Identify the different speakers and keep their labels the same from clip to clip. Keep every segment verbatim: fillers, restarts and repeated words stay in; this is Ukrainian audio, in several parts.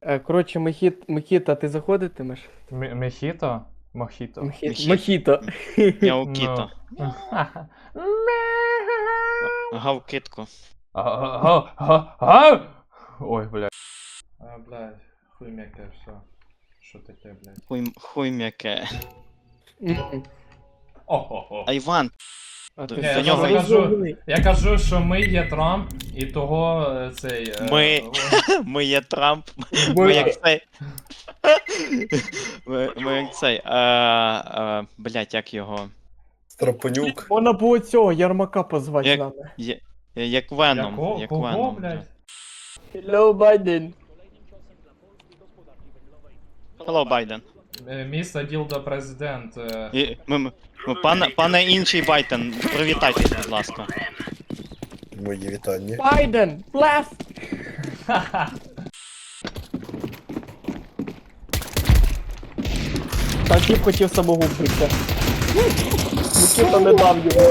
Speaker 1: Е, Коротше, Мехіт, Мехіта, ти заходитимеш?
Speaker 2: М- Мехіто? Мохіто.
Speaker 1: Мехіт,
Speaker 3: Мехі-
Speaker 1: Мохіто.
Speaker 3: Няукіто.
Speaker 2: Ну.
Speaker 3: Гавкитко.
Speaker 2: Га- га- га- Ой, блядь. А, блядь, хуй м'яке, все. Що таке, блядь?
Speaker 3: Хуй, хуй м'яке.
Speaker 1: Мгм.
Speaker 2: О-хо-хо.
Speaker 3: А Іван,
Speaker 1: А
Speaker 3: До-
Speaker 1: ти
Speaker 2: Ні,
Speaker 1: що,
Speaker 3: до нього-
Speaker 1: розумний?
Speaker 2: Я кажу, що ми є Трамп, і того е, цей. е,
Speaker 3: Ми-
Speaker 2: о,
Speaker 3: ми є Трамп.
Speaker 1: Ми-
Speaker 3: Ми як цей. Ми, ми як цей. А, а, блядь, як його?
Speaker 4: Страпонюк.
Speaker 1: Можна було цього Ярмака позвати
Speaker 3: Як-
Speaker 1: з нами.
Speaker 3: Є- Як Веном.
Speaker 2: Яко?
Speaker 3: Як
Speaker 2: Кого,
Speaker 3: Веном.
Speaker 2: блядь?
Speaker 1: Hello, Байден.
Speaker 3: Hello, Байден.
Speaker 2: Е, Міста Ділда президент. е,
Speaker 3: І, ми, ми, ми- пане, пане інший Байден, привітайтесь, будь ласка.
Speaker 4: Мої вітання.
Speaker 1: Байден, blast! Та тіп хотів самогубитися. Микита не дав йому.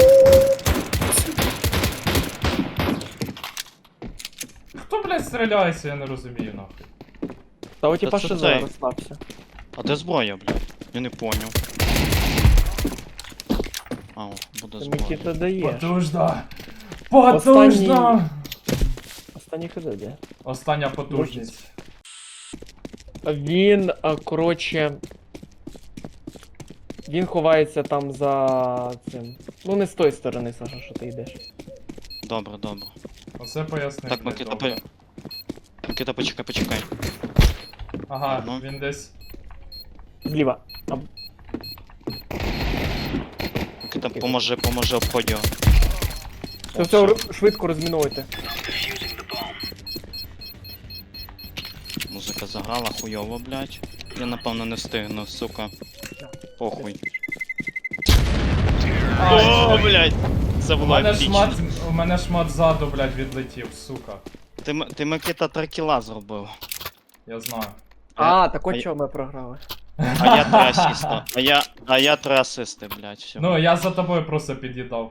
Speaker 2: Хто, блядь, стріляється, я не розумію, нахуй.
Speaker 1: Та у тіпа
Speaker 3: це
Speaker 1: що
Speaker 3: цей.
Speaker 1: зараз розслабся.
Speaker 3: А де зброя, блядь? Я не поняв. А, о, буде
Speaker 1: Та
Speaker 3: зброя.
Speaker 1: Микита дає.
Speaker 2: Потужно! Потужно!
Speaker 1: Останній ходи, де?
Speaker 2: Остання потужність.
Speaker 1: Він, а, коротше. Він ховається там за цим. Ну не з тої сторони, Саша, що ти йдеш.
Speaker 3: Добре, добре.
Speaker 2: Оце пояснив.
Speaker 3: Так,
Speaker 2: блядь,
Speaker 3: Микита,
Speaker 2: добре.
Speaker 3: по... Микита, почекай, почекай.
Speaker 2: Ага,
Speaker 3: Ну.
Speaker 2: він десь.
Speaker 1: Зліва. А,
Speaker 3: Микита, поможи, поможи обходь його.
Speaker 1: Все, все, р- швидко розмінуйте.
Speaker 3: Музика заграла хуйово, блядь. Я напевно не встигну, сука. Похуй. О, блядь! Це
Speaker 2: У
Speaker 3: було
Speaker 2: мене
Speaker 3: епічно.
Speaker 2: шмат, у мене шмат ззаду, блядь, відлетів, сука.
Speaker 3: Ти, М- ти Микита три кіла зробив.
Speaker 2: Я знаю.
Speaker 1: А, так
Speaker 3: а
Speaker 1: от
Speaker 3: я-
Speaker 1: чого ми програли.
Speaker 3: А я три асиста. А я, а я три асисти, блядь, все.
Speaker 2: Ну, я за тобою просто під'їдав.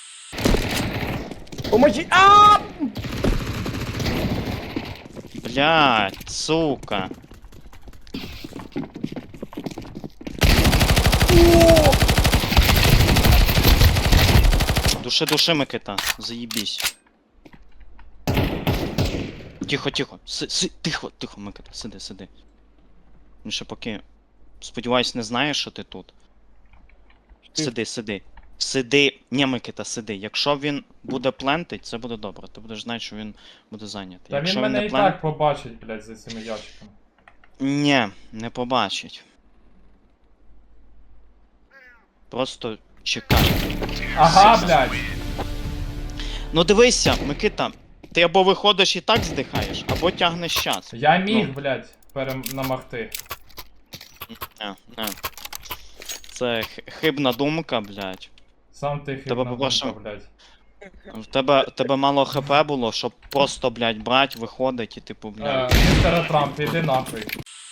Speaker 1: Поможі! А!
Speaker 3: Блядь, сука. Души, души, Микита, заебись. Тихо, тихо, си, си, тихо, тихо, Микита, сиди, сиди. Він ще поки. Сподіваюсь, не знає, що ти тут.
Speaker 1: Ти-
Speaker 3: Сиди, сиди. Сиди. Ні, Микита, сиди. Якщо він буде плентить, це буде добре. Ти будеш знати, що він буде зайнятий.
Speaker 2: Та
Speaker 3: Якщо
Speaker 2: він мене
Speaker 3: не
Speaker 2: і
Speaker 3: плен-
Speaker 2: так побачить, блядь, за цими ящиками.
Speaker 3: Ні, не побачить. Просто чекай.
Speaker 2: Ага, блядь!
Speaker 3: Ну дивися, Микита, ти або виходиш і так здихаєш, або тягнеш час.
Speaker 2: Я міг,
Speaker 3: Ну.
Speaker 2: блядь, перенамагти.
Speaker 3: Не, не. Це х- хибна думка, блядь.
Speaker 2: Сам ти
Speaker 3: Тебе
Speaker 2: хибна
Speaker 3: попрошу.
Speaker 2: думка, блядь.
Speaker 3: В тебе, в тебе мало хп було, щоб просто, блядь, брать, виходить і типу,
Speaker 2: Е,
Speaker 3: блядь.
Speaker 2: Містер Трамп, іди нахуй.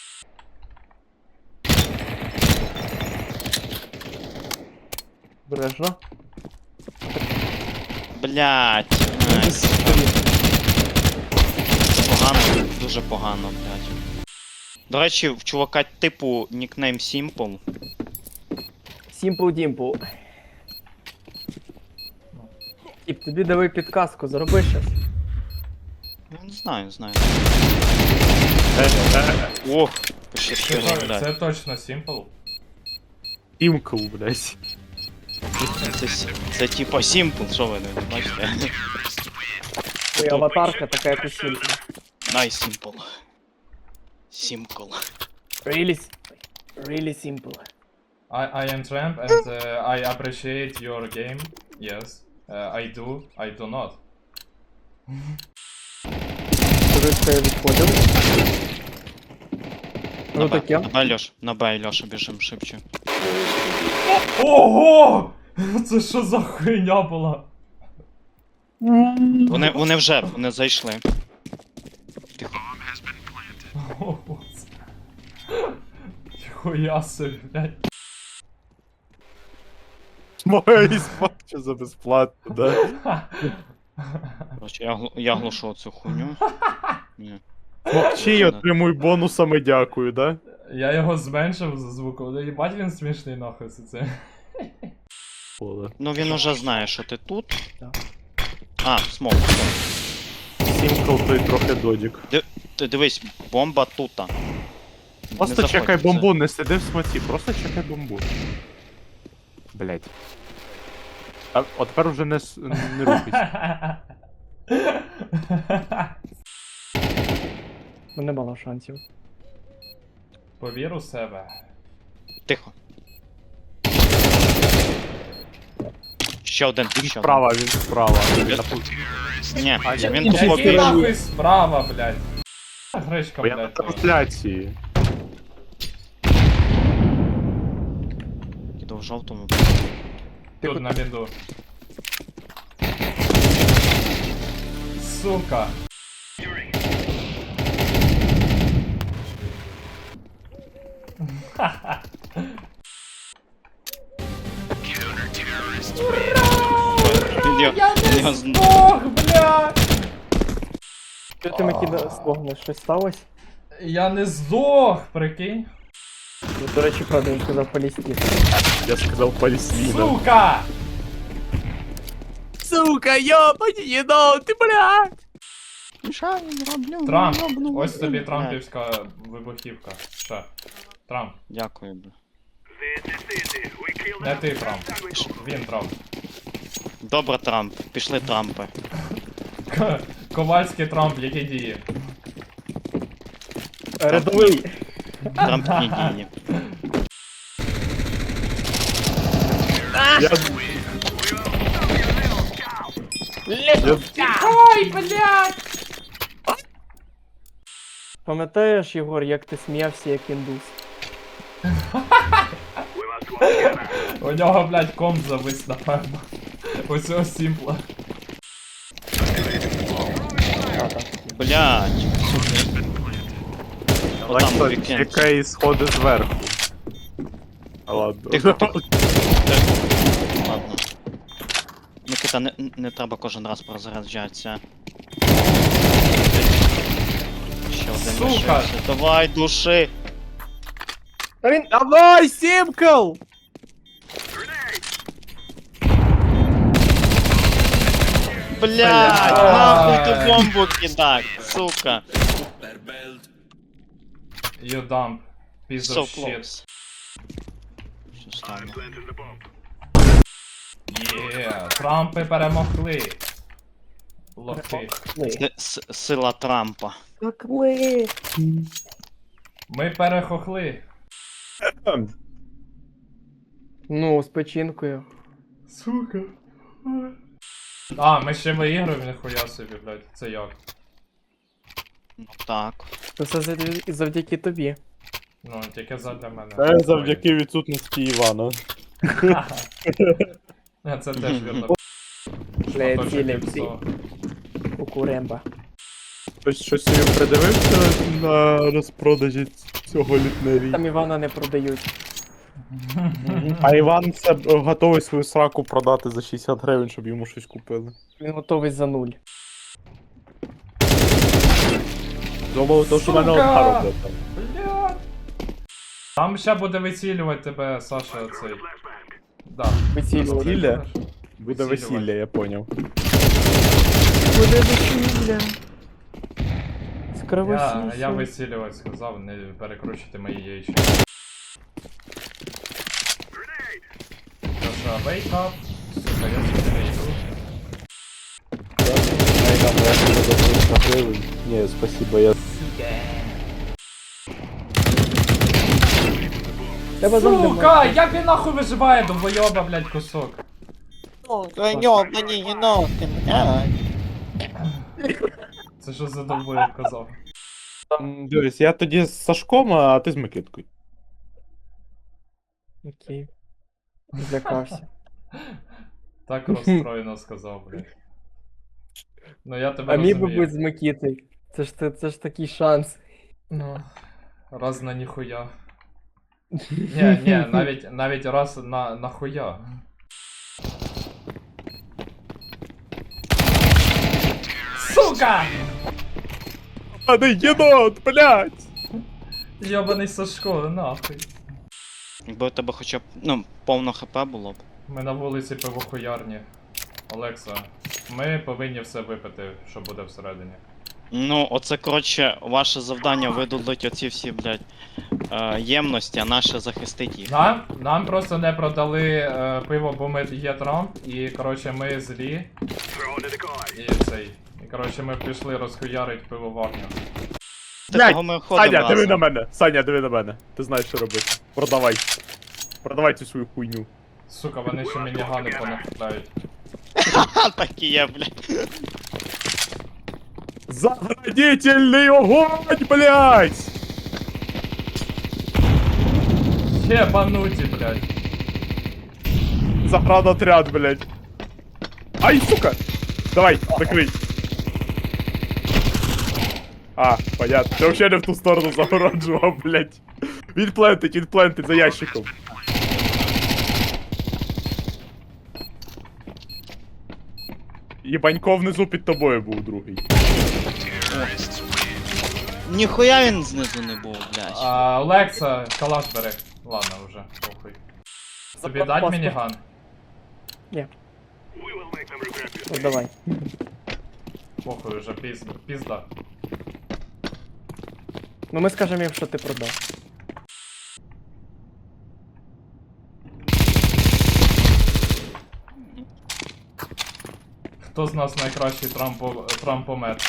Speaker 1: Бережно.
Speaker 3: Блядь. Найс. Погано, дуже погано, блядь. До речі, в чувака типу нікнейм Simple.
Speaker 1: Сімпл Дімпл. Тіп, тобі дали підказку, зроби щось.
Speaker 3: Я не знаю, знаю. Ох,
Speaker 2: Це,
Speaker 3: пощастило,
Speaker 2: то-
Speaker 3: блядь.
Speaker 2: це точно Simple.
Speaker 5: Тімкл, блядь.
Speaker 3: Це, с- це типа Simple, що ви не бачите?
Speaker 1: Твоя аватарка така, як у Сімплі.
Speaker 3: Най Simple. Simple.
Speaker 1: Really, s- really simple.
Speaker 2: I, I am Tramp and uh, I appreciate your game. Yes. Uh, I do. I do not.
Speaker 1: Туристи відходили.
Speaker 3: На
Speaker 1: Ну
Speaker 3: Б,
Speaker 1: таке.
Speaker 3: на Б, Льош, на Б, Льоша, біжим шибче.
Speaker 2: Ого! Це що за хуйня була?
Speaker 3: Вони, вони вже, вони зайшли. Тихо.
Speaker 2: О, боже. Хуя собі, блядь.
Speaker 5: Моє спачу за безплатно, да?
Speaker 3: Короче, я, глу- я глушу цю хуйню. Ні.
Speaker 5: Мовчи, отримуй бонусами, дякую, да?
Speaker 2: Я його зменшив за звуком. Да їбать він смішний нахуй це.
Speaker 5: Поле.
Speaker 3: Ну він уже знає, що ти тут.
Speaker 1: Да.
Speaker 3: А, смок.
Speaker 5: Сімкл той трохи додік.
Speaker 3: Ти дивись, бомба тута.
Speaker 5: Просто
Speaker 3: Не
Speaker 5: чекай
Speaker 3: заходь,
Speaker 5: бомбу, не сиди в смоці, просто чекай бомбу. Блять. А от тепер вже не, с- не рухайся.
Speaker 1: Ну не мало шансів.
Speaker 2: Повір у себе.
Speaker 3: це- Тихо. Ще один, ще один.
Speaker 5: Справа, він справа.
Speaker 3: Я-
Speaker 5: На пу-
Speaker 3: Ні,
Speaker 5: А, я-
Speaker 3: він
Speaker 1: я-
Speaker 3: тут
Speaker 1: я-
Speaker 3: лобі.
Speaker 2: Який нахуй справа, блядь? Гречка,
Speaker 5: Бо я на
Speaker 2: блядь.
Speaker 5: трансляції.
Speaker 3: Іду в жовтому.
Speaker 2: Тут на біду. Сука.
Speaker 3: Я, я, з-
Speaker 2: Ох, блядь!
Speaker 1: Що ти Микита спогнеш? Щось сталося?
Speaker 2: Я не здох, прикинь.
Speaker 1: Ну, до речі, правда, він сказав Палестина.
Speaker 5: Я сказав Палестина.
Speaker 2: Сука!
Speaker 5: Сука, ёбані, єдо, ти блядь!
Speaker 3: Мішаю, роблю,
Speaker 2: Трамп,
Speaker 3: роблю,
Speaker 2: ось
Speaker 3: роблю.
Speaker 2: тобі
Speaker 3: Блядь,
Speaker 2: трампівська вибухівка. Ще. Трамп.
Speaker 3: Дякую, бля.
Speaker 2: Не ти Трамп. Він Трамп.
Speaker 3: Добре, Трамп. Пішли Трампи.
Speaker 2: К- Ковальський Трамп, які дії?
Speaker 1: Рядовий!
Speaker 3: Трампні дії.
Speaker 5: Я... Я...
Speaker 2: Ой, блядь!
Speaker 1: Пам'ятаєш, Єгор, як ти сміявся як індус?
Speaker 2: У нього, блядь, комп завис, напевно. У цього сімпла.
Speaker 3: Блядь. Отам у
Speaker 5: Лайк,
Speaker 3: вікенді.
Speaker 5: чекай сходи зверху. А ладно.
Speaker 3: Тихо, тихо. Ладно. Микита, не, не треба кожен раз прозаряджатися. Ще один
Speaker 2: Сука!
Speaker 3: лишився. Давай, души!
Speaker 1: А він...
Speaker 5: Давай, Сімкл!
Speaker 3: Блядь, нахуй ти бомбу кидак, сука.
Speaker 2: You dump. Piece
Speaker 3: So
Speaker 2: of shit.
Speaker 3: close. Що стало?
Speaker 2: Є, Трампи перемогли. Лохи.
Speaker 3: С- с- Сила Трампа.
Speaker 1: Какли!
Speaker 2: Ми перехохли.
Speaker 1: Ну, з печінкою.
Speaker 2: Сука. А, ми ще виіграємо, ніхуя собі, блядь. Це як?
Speaker 3: Ну так.
Speaker 1: Це все завдя- завдяки тобі.
Speaker 2: Ну, тільки задля мене.
Speaker 5: Це завдяки відсутності Івана.
Speaker 2: Е, Це теж вірно.
Speaker 1: Бля,
Speaker 2: Шматочок
Speaker 1: цілі
Speaker 2: гіпсу.
Speaker 1: всі. У Куремба.
Speaker 5: Хтось щось собі придивився на розпродажі цього літневі.
Speaker 1: Там Івана не продають.
Speaker 5: А Іван це б готовий свою сраку продати за шістдесят гривень, щоб йому щось купили.
Speaker 1: Він готовий за нуль.
Speaker 5: Думав, то що
Speaker 2: Сука!
Speaker 5: мене одна робить.
Speaker 2: Бля. Там ще буде вицілювати тебе, Саша, цей. Да.
Speaker 1: Вицілювати.
Speaker 5: Весілля? Буде
Speaker 2: Весілля.
Speaker 5: весілля, я поняв.
Speaker 1: Буде весілля.
Speaker 2: Я,
Speaker 1: Скравосіся.
Speaker 2: я вицілювати сказав, не перекручуйте мої яйчі. Саша, wake up. Сука, я сюди не йду.
Speaker 5: Найдам я тебе за триста гривень. Ні, спасибо, я...
Speaker 1: Тебе завжди
Speaker 2: Сука,
Speaker 1: можна.
Speaker 2: як він нахуй виживає, довбойоба, блядь, кусок.
Speaker 6: Ёбаный енот, блядь.
Speaker 2: Це що за довбойоб казав?
Speaker 5: М, Дивись, я тоді з Сашком, а ти з Микиткою.
Speaker 1: Окей. Злякався.
Speaker 2: Так розстроєно сказав, блядь. Ну я тебе
Speaker 1: А міг би
Speaker 2: розумію.
Speaker 1: бути з Микітою. Це ж, це, це ж такий шанс.
Speaker 2: Ну, раз на ніхуя. Ні, ні, навіть, навіть раз на нахуя. Сука!
Speaker 5: Йобаний єнот, блядь!
Speaker 2: Йобаний Сашко, нахуй.
Speaker 3: Якби у тебе хоча б, ну, повно хп було б.
Speaker 2: Ми на вулиці пивохуярні. Олекса, ми повинні все випити, що буде всередині.
Speaker 3: Ну, оце, коротше, ваше завдання видудуть оці всі, блядь, е, ємності, а наше захистить їх.
Speaker 2: Нам, нам просто не продали е, пиво, бо ми є Трамп, і коротше ми злі. І цей. І коротше ми пішли розхуярить пивоварню.
Speaker 3: Такого ми ходимо
Speaker 5: Саня, диви
Speaker 3: разом.
Speaker 5: на мене! Саня, диви на мене. Ти знаєш, що робити. Продавай. Продавай цю свою хуйню.
Speaker 2: Сука, вони ще мінігани понахитають.
Speaker 3: Ха, так і є, блядь.
Speaker 5: Заградительний огонь, блядь!
Speaker 2: Єбануті, блядь.
Speaker 5: Заградотряд, блядь. Ай, сука! Давай, закрий. А, понятно. Ти вообще не в ту сторону загороджував, блядь. Він плентить, він плентить за ящиком. Єбанько внизу під тобою був другий.
Speaker 3: Ніхуя він знизу не був, блядь.
Speaker 2: А, Олекса, калаш бери. Ладно вже, похуй. Тобі дать
Speaker 1: Запас-
Speaker 2: мініган?
Speaker 1: Ні. Ну, давай.
Speaker 2: Похуй вже, піз... пізда.
Speaker 1: Ну ми скажемо їм, що ти продав.
Speaker 2: Хто з нас найкращий трампо... трампомет?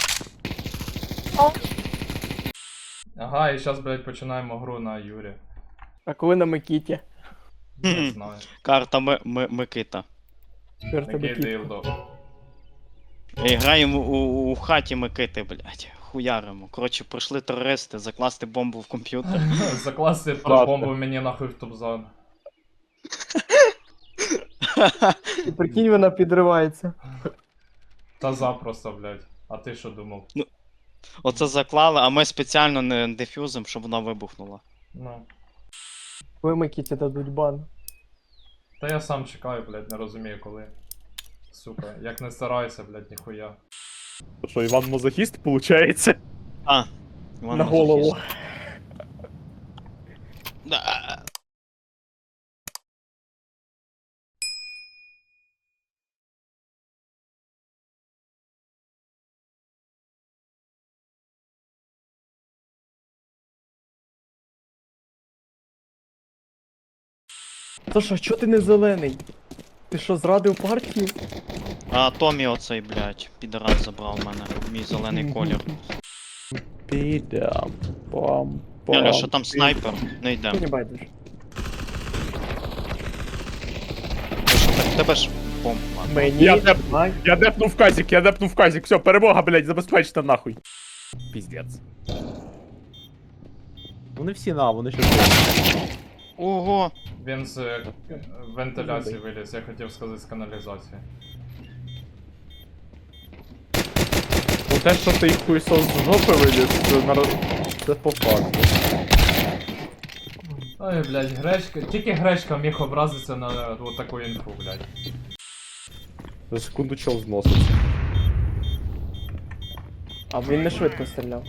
Speaker 2: Ага, і зараз, блядь, починаємо гру на Юрі.
Speaker 1: А коли на Микіті?
Speaker 2: Не
Speaker 3: Хм.
Speaker 2: знаю.
Speaker 3: Карта Ми- Ми- Микита.
Speaker 1: Карта
Speaker 2: Такий
Speaker 1: Микіті.
Speaker 2: дилдо.
Speaker 3: І граємо у, у, у хаті Микити, блядь. Хуяримо. Коротше, прийшли терористи закласти бомбу в комп'ютер.
Speaker 2: Закласти бомбу мені нахуй в топ-зон.
Speaker 1: І прикинь, вона підривається.
Speaker 2: Та запросто, блядь. А ти що думав?
Speaker 3: Оце заклали, а ми спеціально не дефюзим, щоб вона вибухнула.
Speaker 2: Ну.
Speaker 1: Коли Микіті дадуть бан.
Speaker 2: Та я сам чекаю, блядь, не розумію коли. Сука, як не старайся, блядь, ніхуя.
Speaker 5: Що, Іван Мазохіст, получається?
Speaker 3: А, Іван
Speaker 1: На
Speaker 3: Мазохіст.
Speaker 1: голову.
Speaker 3: Да.
Speaker 1: Саша, чого ти не зелений? Ти що, зрадив партію?
Speaker 3: А Томі оцей, блядь, підарас забрав в мене. Мій зелений колір.
Speaker 5: Підам. Пам.
Speaker 3: Яля, що там снайпер? Не йдем.
Speaker 1: Ти не байдеш.
Speaker 3: Ти що, так, тебе ж бомба.
Speaker 1: Мені
Speaker 5: Я не-
Speaker 1: дай.
Speaker 5: Я депнув казик, я депнув казик. Все, перемога, блядь, забезпечте нахуй. Піздець. Вони всі на, вони ще.
Speaker 3: Ого!
Speaker 2: Він з е, вентиляції виліз, я хотів сказати з каналізації.
Speaker 5: Ну те, що ти їх хуйсос з жопи виліз, це, наро- це по факту.
Speaker 2: Ой, блядь, гречка. Тільки гречка міг образитися на е, от таку інфу, блядь.
Speaker 5: За секунду чел зноситься.
Speaker 1: А він не швидко стріляв.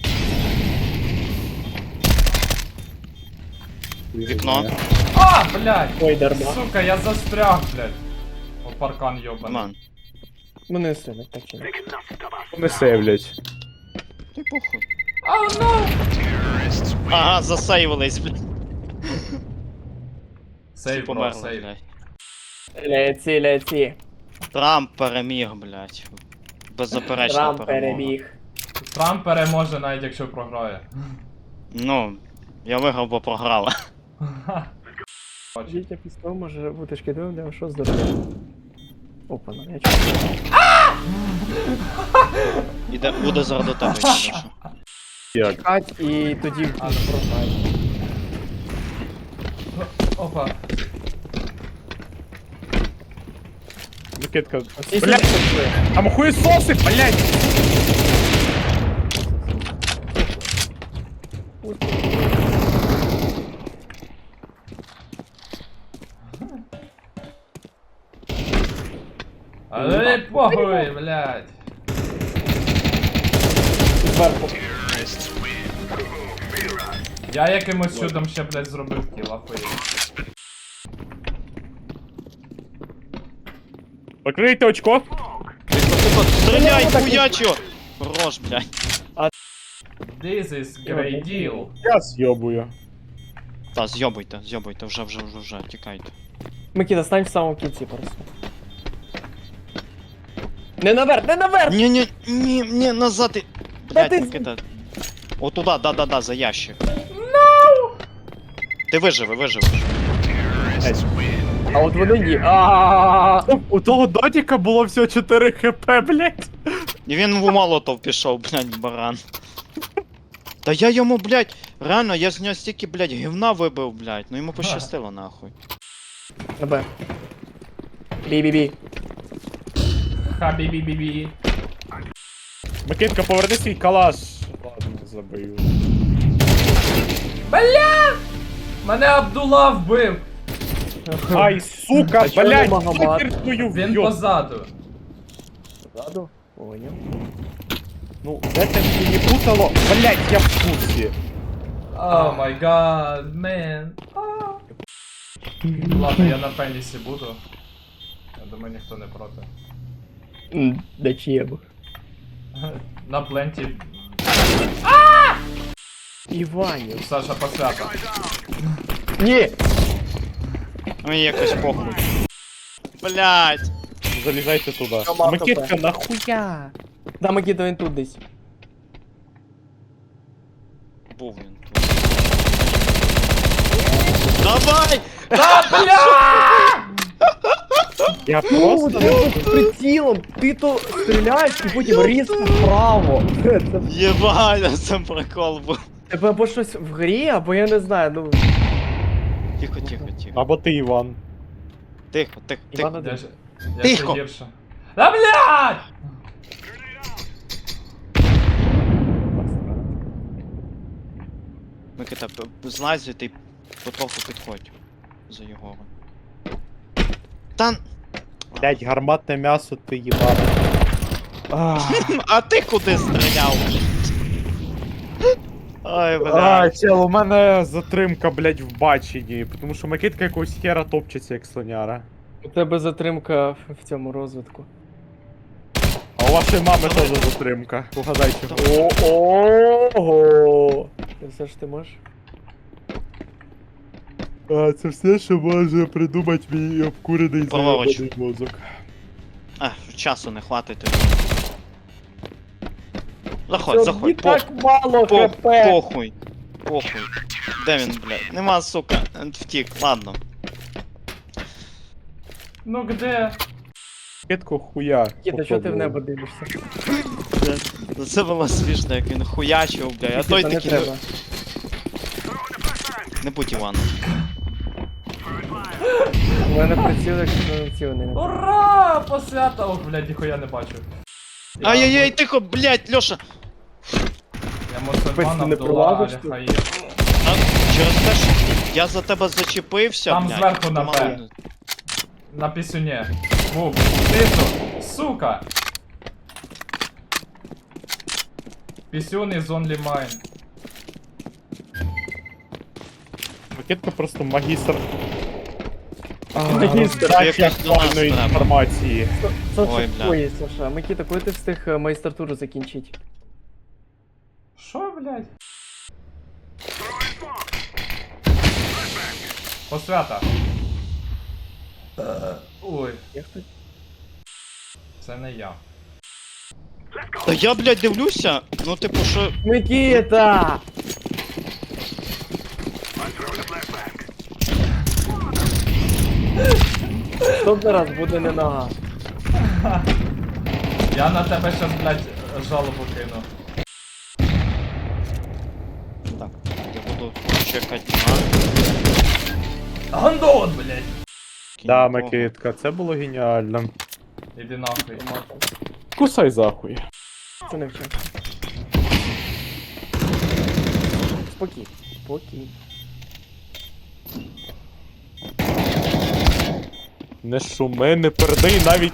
Speaker 3: Вікно.
Speaker 2: А, блядь!
Speaker 1: Ой, дарма.
Speaker 2: Сука, я застряг, блядь. О, паркан йобаний.
Speaker 3: Ман.
Speaker 1: Ну не стрілять, так чи не.
Speaker 5: Не сейвлять.
Speaker 3: Ти похуй.
Speaker 2: Ау, ну!
Speaker 3: Ага, засейвились, блядь.
Speaker 2: Сейв, бро,
Speaker 3: Померли,
Speaker 2: сейв.
Speaker 3: блядь.
Speaker 1: Ляці, ляці.
Speaker 3: Трамп переміг, блядь. Беззаперечна
Speaker 1: Трамп
Speaker 3: перемога.
Speaker 1: переміг.
Speaker 2: Трамп переможе навіть якщо програє.
Speaker 3: Ну, я виграв, бо програла.
Speaker 2: Бачу.
Speaker 1: Життя пістол може бути шкідливим для вашого здоров'я. Опа, ну я чую.
Speaker 3: Іде, буде заради тебе, якщо що.
Speaker 5: Як?
Speaker 1: Чекать і тоді
Speaker 2: А, ну,
Speaker 1: програє.
Speaker 2: Опа.
Speaker 5: Микитка.
Speaker 1: Всі
Speaker 5: Блядь,
Speaker 1: сюди.
Speaker 5: там хуйсоси, блядь!
Speaker 2: Але похуй, блядь.
Speaker 1: Зверху.
Speaker 2: Я якимось чудом ще, блядь, зробив кіл, ахуєть.
Speaker 5: Покрийте очко.
Speaker 3: Стріляй, хуячо! Хорош, блядь.
Speaker 2: This is great deal.
Speaker 5: Я з'єбую.
Speaker 3: Та, з'йобуйте, з'йобуйте, вже, вже, вже, вже, тікайте.
Speaker 1: Микита, стань в самому кінці просто. Не наверх, не наверх!
Speaker 3: Ні, ні, ні, ні, назад і...
Speaker 1: Та
Speaker 3: Блядь,
Speaker 1: ти-
Speaker 3: Микита. О, туди, да-да-да, за ящик. No! Ти виживи, виживеш.
Speaker 1: А от вони ні. А
Speaker 5: У того дотіка було всього чотири хп, блядь.
Speaker 3: І він в молотов пішов, блядь, баран. Та я йому, блядь, реально, я з нього стільки, блядь, гівна вибив, блядь. Ну йому пощастило, нахуй.
Speaker 1: На Б. Бі-бі-бі.
Speaker 2: Ха-бі-бі-бі-бі.
Speaker 5: Микитка, поверни свій калаш. Ладно, забию.
Speaker 2: Бля! Мене Абдула вбив!
Speaker 5: Ай, сука,
Speaker 1: А чого
Speaker 5: блядь,
Speaker 1: не Магомат?
Speaker 5: хакеркою
Speaker 2: Він
Speaker 5: в'єб.
Speaker 2: позаду.
Speaker 1: Ззаду. Поняв.
Speaker 5: Ну, де це мені путало? Блядь, я в курсі.
Speaker 2: О май гад, мен. Ладно, я на пенісі буду. Я думаю, ніхто не проти.
Speaker 1: М, Да чеб.
Speaker 2: На пленті.
Speaker 1: Іванів.
Speaker 2: Саша посвята.
Speaker 1: Ні!
Speaker 3: Ну і якось похуй. Блядь.
Speaker 5: Залізайте туди.
Speaker 1: Команда
Speaker 5: Микитка, нахуя?
Speaker 1: Да, Микита, він тут десь.
Speaker 3: Був він тут. Давай!
Speaker 2: Та бля!
Speaker 5: Я
Speaker 1: Ну,
Speaker 5: просто...
Speaker 1: ти з прицілом, ти то стріляєш і потім різко вправо. Це
Speaker 3: Єбать, це прикол був.
Speaker 1: тебе або щось в грі, або я не знаю, ну.
Speaker 3: Тихо, тихо, тихо.
Speaker 5: Або ти, Іван.
Speaker 3: Тихо, тихо,
Speaker 1: Івана
Speaker 3: тихо.
Speaker 2: Я ж... Я
Speaker 3: Тихо!
Speaker 2: ще гірше. Та блядь!
Speaker 3: Микита, п- злазь і ти потроху підходь за Єгором. Та...
Speaker 5: Блядь, гарматне м'ясо, ти їбав.
Speaker 3: А ти куди стріляв? Ой,
Speaker 5: А,
Speaker 3: блядь.
Speaker 5: чел, у мене затримка, блядь, в баченні, тому що Микитка якогось хера топчеться, як слоняра.
Speaker 1: У тебе затримка в в цьому розвитку.
Speaker 5: А у вашої мами теж затримка. Угадайте.
Speaker 1: Ого! Це все ж ти можеш?
Speaker 5: А, це все, що може придумати мій обкурений
Speaker 3: Праворуч.
Speaker 5: заєбаний мозок.
Speaker 3: А, часу не хватить тобі. Заходь,
Speaker 1: Це
Speaker 3: заходь,
Speaker 1: не
Speaker 3: по,
Speaker 1: так мало
Speaker 3: по,
Speaker 1: хп!
Speaker 3: похуй. Похуй. Де він, блядь? Нема, сука. Втік, ладно.
Speaker 2: Ну где?
Speaker 5: Микитко хуя.
Speaker 1: Кіта, чого ти в небо дивишся?
Speaker 3: Ну, це було смішно, як він хуячив, блядь. А той
Speaker 1: Кіта, не
Speaker 3: такий.
Speaker 1: треба.
Speaker 3: Не будь Іваном.
Speaker 1: У мене приціл, якщо не цілений.
Speaker 2: Ура! Посвята! Ох, блядь, ніхуя не бачу. Я-
Speaker 3: Ай-яй-яй, тихо, блядь, Льоша.
Speaker 2: Я мусульман
Speaker 1: Ти не
Speaker 2: Абдула
Speaker 1: пролазиш тут?
Speaker 2: Аль-Хаїр.
Speaker 3: А, через те, що я за тебе зачепився,
Speaker 2: Там
Speaker 3: блядь.
Speaker 2: зверху
Speaker 3: ти
Speaker 2: на
Speaker 3: мало
Speaker 2: П.
Speaker 3: не-
Speaker 2: На пісюні. Був. Тису. Сука. Пісюн is only mine.
Speaker 5: Микитка просто магістр.
Speaker 1: Магістр.
Speaker 3: Це якось до нас
Speaker 5: актуальної
Speaker 3: треба.
Speaker 5: інформації.
Speaker 1: Саша,
Speaker 3: Ой, бля.
Speaker 1: ой, Саша, Микита, коли ти встиг е, майстратуру закінчити?
Speaker 2: Що, блядь? Посвята. Е, Ой,
Speaker 1: Як ти?
Speaker 2: це не я.
Speaker 3: Та я, блядь, дивлюся, ну типу, що.
Speaker 1: Микита! Що зараз буде не нога?
Speaker 2: Я на тебе щас, блядь, жалобу кину.
Speaker 3: Так, я буду чекати на.
Speaker 2: Гандон, блядь!
Speaker 5: Да,
Speaker 3: кінь.
Speaker 5: Микитка, це було геніально.
Speaker 2: Іди нахуй.
Speaker 5: Кусай захуй.
Speaker 1: Це не вчасно. Спокій. Спокій.
Speaker 5: Не шуми, не передай навіть.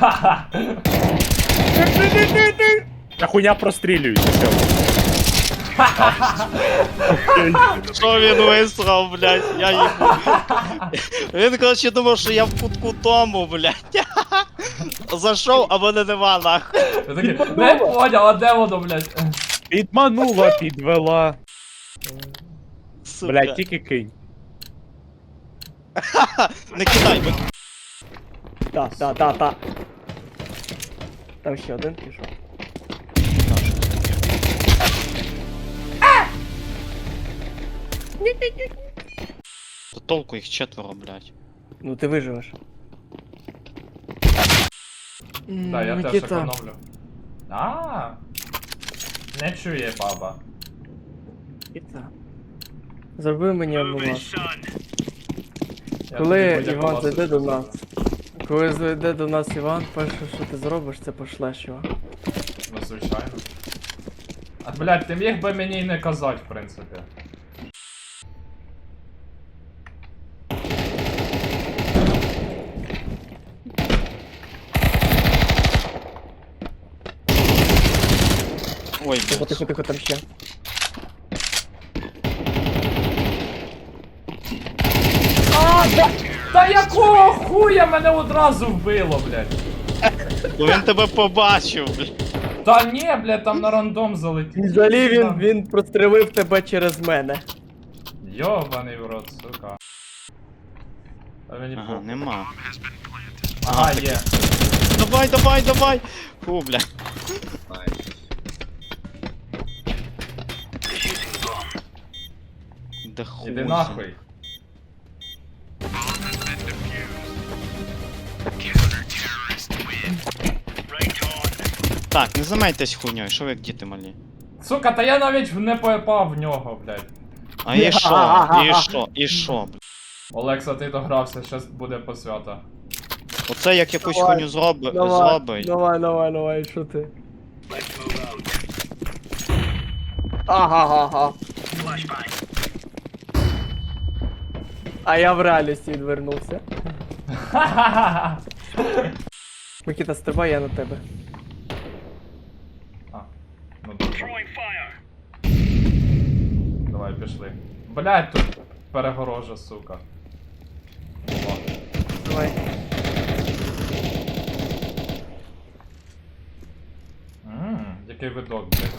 Speaker 5: Та хуйня прострілюється, чел.
Speaker 3: Що він висрав, блядь, я їбу. Він, коротше, думав, що я в кутку тому, блядь. Зайшов, а мене нема, нахуй.
Speaker 2: Я такий, не поняв, а де воно, блядь?
Speaker 5: Підманула, підвела.
Speaker 3: Сука.
Speaker 5: Блядь, тільки кинь.
Speaker 3: Не кидай, бо...
Speaker 1: Та, та, та, та. Там ще один пішов.
Speaker 3: То толку їх четверо, блядь.
Speaker 1: Ну ти виживеш.
Speaker 2: Так, я теж
Speaker 1: Микита.
Speaker 2: економлю. А, не чує баба.
Speaker 1: Микита. Зроби мені одну ласку.
Speaker 2: Я
Speaker 1: Коли
Speaker 2: тобі будь-яку
Speaker 1: Іван
Speaker 2: ласочку
Speaker 1: зайде до
Speaker 2: зроблю.
Speaker 1: нас. Коли зайде до нас Іван, перше, що ти зробиш, це пошлеш його.
Speaker 2: Ну, звичайно. А, блядь, ти міг би мені й не казати, в принципі.
Speaker 3: Ой,
Speaker 1: Тихо,
Speaker 3: блядь.
Speaker 1: тихо, тихо, там ще.
Speaker 2: Та якого хуя мене одразу вбило, блядь?
Speaker 3: Бо він тебе побачив, блядь.
Speaker 2: Та ні, блядь, там на рандом залетів.
Speaker 1: Взагалі він, він прострелив тебе через мене.
Speaker 2: Йобаний в рот, сука. А мені
Speaker 3: Ага,
Speaker 2: похуй.
Speaker 3: нема.
Speaker 2: Ага, є.
Speaker 3: Давай, давай, давай! Фу, блядь. Да хуй.
Speaker 2: Іди нахуй.
Speaker 3: Так, не займайтесь хуйньою, що ви як діти малі?
Speaker 2: Сука, та я навіть не попав в нього, блядь.
Speaker 3: А і що? І що? І що, блядь?
Speaker 2: Олекса, ти догрався, щас буде посвята.
Speaker 3: Оце як якусь
Speaker 1: Давай,
Speaker 3: хуйню зроби,
Speaker 1: Давай,
Speaker 3: зробить.
Speaker 1: давай, давай, давай, що ти? Ага-га-га. А я в реальності відвернувся.
Speaker 2: Ха-ха-ха!
Speaker 1: Микита, стрибай, я на тебе.
Speaker 2: А, ну добре. Давай, пішли. Блядь, тут перегорожа, сука. О.
Speaker 1: Давай.
Speaker 2: Ммм, який видок, блядь.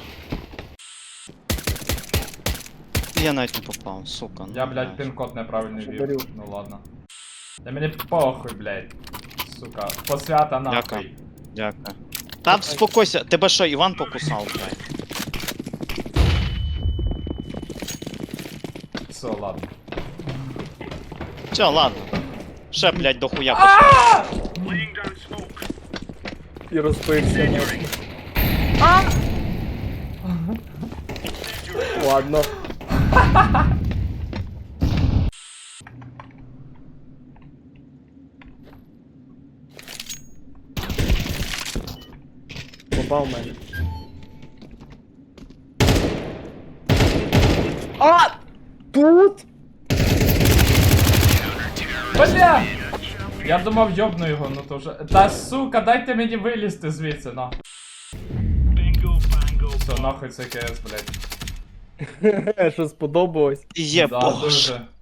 Speaker 3: Я навіть не попав, сука. ну,
Speaker 2: Я, блядь, пін-код неправильний
Speaker 1: Що
Speaker 2: ввів.
Speaker 1: дарю?
Speaker 2: Ну ладно. Та мені похуй, блядь. Сука, посвята
Speaker 3: Дякую.
Speaker 2: нахуй.
Speaker 3: Дякую. Та спокойся, тебе що, Іван покусав, блядь?
Speaker 2: Все, ладно.
Speaker 3: Все, ладно. Ще, блядь, дохуя пошли.
Speaker 1: І розбився. нахуй. Ладно. Попав в мене. А! Тут?
Speaker 2: Бля! Я думав, йобну його, ну то вже. Та сука, дайте мені вилізти звідси, на. Все, нахуй це КС, блядь.
Speaker 1: Що сподобалось?
Speaker 3: Є
Speaker 2: Да,
Speaker 3: боже.
Speaker 2: дуже.